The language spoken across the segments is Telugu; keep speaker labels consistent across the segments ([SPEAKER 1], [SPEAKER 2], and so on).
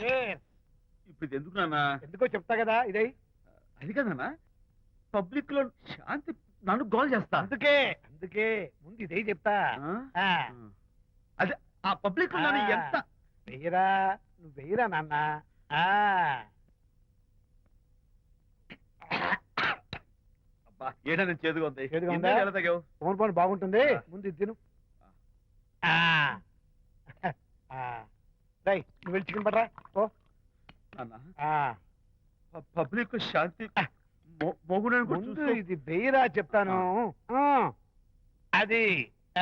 [SPEAKER 1] ఇప్పుడు ఇది ఎందుకు నాన్న?
[SPEAKER 2] ఎందుకో చెప్తా కదా ఇదే.
[SPEAKER 1] అది కదన్నా, పబ్లిక్ లో శాంతి నన్ను గోల్ చేస్తా.
[SPEAKER 2] అందుకే అందుకే ముందు ఇదే చెప్తా.
[SPEAKER 1] అదే ఆ పబ్లిక్ లో నన్ను ఎంత
[SPEAKER 2] వెయ్యరా, నువ్వు వెయ్యరా నాన్న.
[SPEAKER 1] ఏడా నేను చేదుగా ఉంది.
[SPEAKER 2] చేదుగా ఉందా?
[SPEAKER 1] ఎలా తగ్గావు?
[SPEAKER 2] ఫోన్ ఫోన్ బాగుంటుంది, ముందు ఇది తిను. నువ్వు వెళ్ళి చికెన్ పడరా ఓ.
[SPEAKER 1] పబ్లిక్ శాంతి
[SPEAKER 2] ముందు ఇది వెయ్యరా చెప్తాను. అది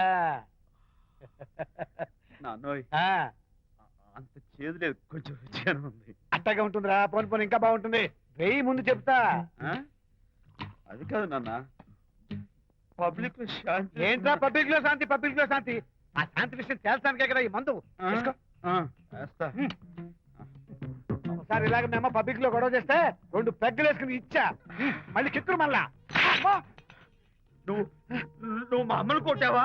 [SPEAKER 1] నాన్నోయ్ అంత చేదు లేదు, కొంచెం రుచిగా ఉంది.
[SPEAKER 2] అట్టగా ఉంటుందిరా, పోను పోను ఇంకా బాగుంటుంది. వెయ్యి ముందు చెప్తా.
[SPEAKER 1] అది కాదు నాన్న, పబ్లిక్ లో శాంతి.
[SPEAKER 2] ఏంట్రా పబ్లిక్ లో శాంతి? పబ్లిక్ లో శాంతి ఆ శాంతి విషయం తేల్చడానికే కదా ఈ మందు. ఒకసారి ఇలాగ మేము పబ్లిక్ లో గొడవ చేస్తే 2 పెగ్గలు వేసుకుని ఇచ్చా, మళ్ళీ చిత్తురు మళ్ళా.
[SPEAKER 1] నువ్వు మా అమ్మను కొట్టావా?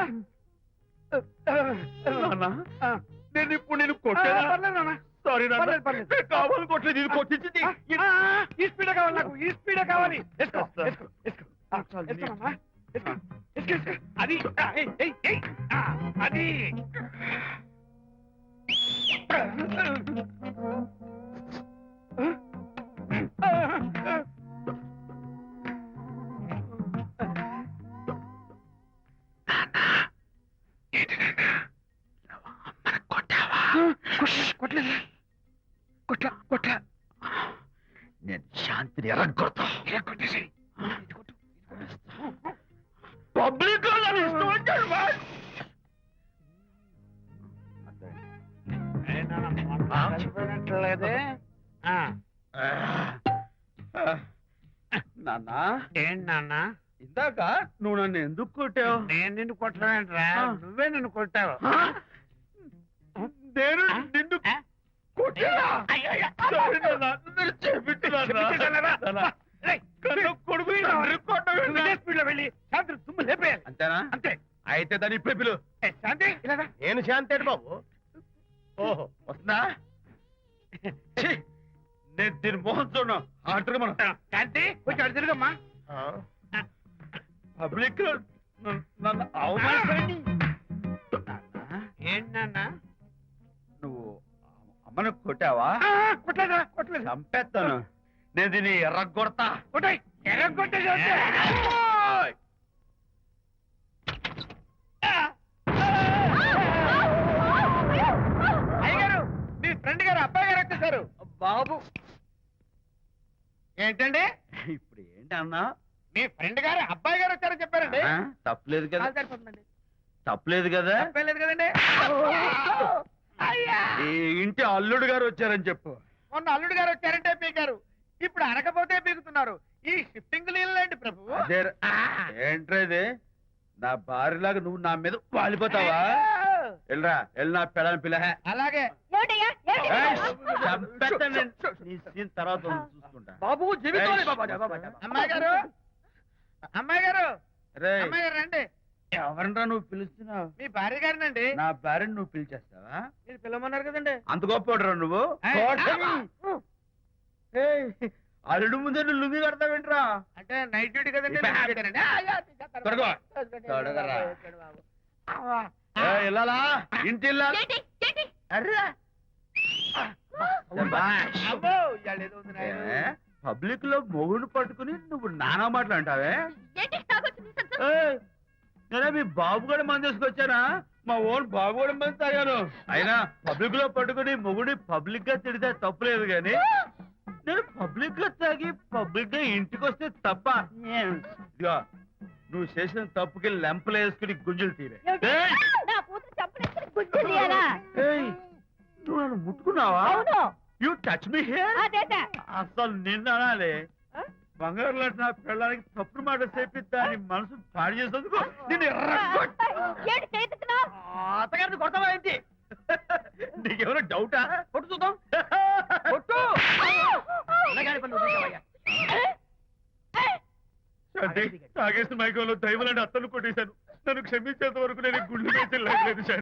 [SPEAKER 1] నేను ఇప్పుడు నేను కొట్టాను. సారీ కావాలి, కొట్టలేదు. ఇది కొట్టించింది.
[SPEAKER 2] ఈ స్పీడే కావాలి నాకు, ఈ స్పీడే కావాలి. అది అది కొట్లా
[SPEAKER 1] నేను శాంతిని ఎరగొడతా.
[SPEAKER 2] కొట్టేసి
[SPEAKER 1] పబ్లిక్
[SPEAKER 2] లేదే.
[SPEAKER 1] నాన్న
[SPEAKER 2] ఏంటి నాన్న?
[SPEAKER 1] ఇందాక నువ్వు నన్ను ఎందుకు కొట్టావు?
[SPEAKER 2] నేను నిన్ను కొట్టలేంట్రా, నువ్వే నన్ను కొట్టావు.
[SPEAKER 1] నేను నిన్ను అంతేనా?
[SPEAKER 2] అంతే.
[SPEAKER 1] అయితే దాని ఇప్పుడే పిలు.
[SPEAKER 2] శాంతి ఇలాగా.
[SPEAKER 1] నేను శాంతి అంటే బాబు. ఓహో వస్తుందా? నేను దీని మోహన్ చూడను. ఆటగా మనం
[SPEAKER 2] శాంతి కొంచెం అడు తిరుగమ్మా.
[SPEAKER 1] పబ్లిక్ నన్ను అవమానించండి.
[SPEAKER 2] ఏంటన్నా
[SPEAKER 1] నువ్వు అమ్మను కొట్టావా?
[SPEAKER 2] కొట్టలేదా? కొట్టలేదు.
[SPEAKER 1] చంపేస్తాను. నేను దీన్ని ఎర్రగొడతా.
[SPEAKER 2] ఎర్రగొట్టే అయ్యగారు, మీ ఫ్రెండ్ గారు అబ్బాయి గారు వచ్చేసారు.
[SPEAKER 1] బాబు
[SPEAKER 2] ఏంటండి
[SPEAKER 1] ఇప్పుడు ఏంటి అన్నా?
[SPEAKER 2] మీ ఫ్రెండ్ గారు అబ్బాయి గారు వచ్చారని చెప్పారండి.
[SPEAKER 1] తప్పలేదు కదా? తప్పలేదు కదా?
[SPEAKER 2] తప్పలేదు కదండి.
[SPEAKER 1] ఈ ఇంటి అల్లుడు గారు వచ్చారని చెప్పు.
[SPEAKER 2] మొన్న అల్లుడు గారు వచ్చారంటే పీకారు, ఇప్పుడు అనకపోతే పీకుతున్నారు. ఈ షిఫ్టింగ్ నీళ్ళండి ప్రభు.
[SPEAKER 1] ఏంట్రేది? నా భార్యలాగా నువ్వు నా మీద వాలిపోతావా? వెళ్ళరా, వెళ్ళి నా పెళ్ళని పిల్ల.
[SPEAKER 2] అలాగే
[SPEAKER 1] తర్వాత చూసుకుంటా.
[SPEAKER 2] బాబు అమ్మాయి గారు, అమ్మాయి గారు, అమ్మాయి గారు రండి.
[SPEAKER 1] ఎవరన్నా నువ్వు పిలుస్తున్నావు?
[SPEAKER 2] మీ భార్య గారినండి.
[SPEAKER 1] నా భార్యను నువ్వు పిలిచేస్తావా?
[SPEAKER 2] మీరు పిలవమన్నారు కదండి.
[SPEAKER 1] అంత గొప్ప నువ్వు? అల్లుడు ముందే నువ్వు లుంగి కడతావేంట్రా?
[SPEAKER 2] అంటే నైట్ డ్యూటీ కదండి.
[SPEAKER 1] వెళ్ళాలా? ఇంటి పబ్లిక్ లో మొగుడు పట్టుకుని నువ్వు నానా మాటలు అంటావే? నేనే మీ బాబు కూడా మంది తీసుకొచ్చానా? మా ఓన్ బాబు కూడా మంది తాగాను. అయినా పబ్లిక్ లో పట్టుకుని మొగుడి పబ్లిక్ గా తిడితే తప్పులేదు గాని నేను పబ్లిక్ గా తాగి పబ్లిక్ గా ఇంటికి వస్తే తప్ప. ఇదిగో నువ్వు చేసిన తప్పుకి లెంపలు వేసుకుని గుంజులు తీరే. నువ్వు నన్ను ముట్టుకున్నావా? You touch me here. అసలు నిన్న అనాలి. బంగారు లాంటి నా పిల్లలకి తప్పుడు మాట చెప్పిద్దా అని మనసు పాడు చేసేందుకు అత్తగారిని కొడతావా ఏంటి? నీకేమైనా డౌటా? కొట్టు చూద్దాం. కొట్టు. తాగేసిన మైకంలో దైవలాంటి అత్తను కొట్టేశాను. నన్ను క్షమించేంత వరకు నేను గుండె వేసి లేదు.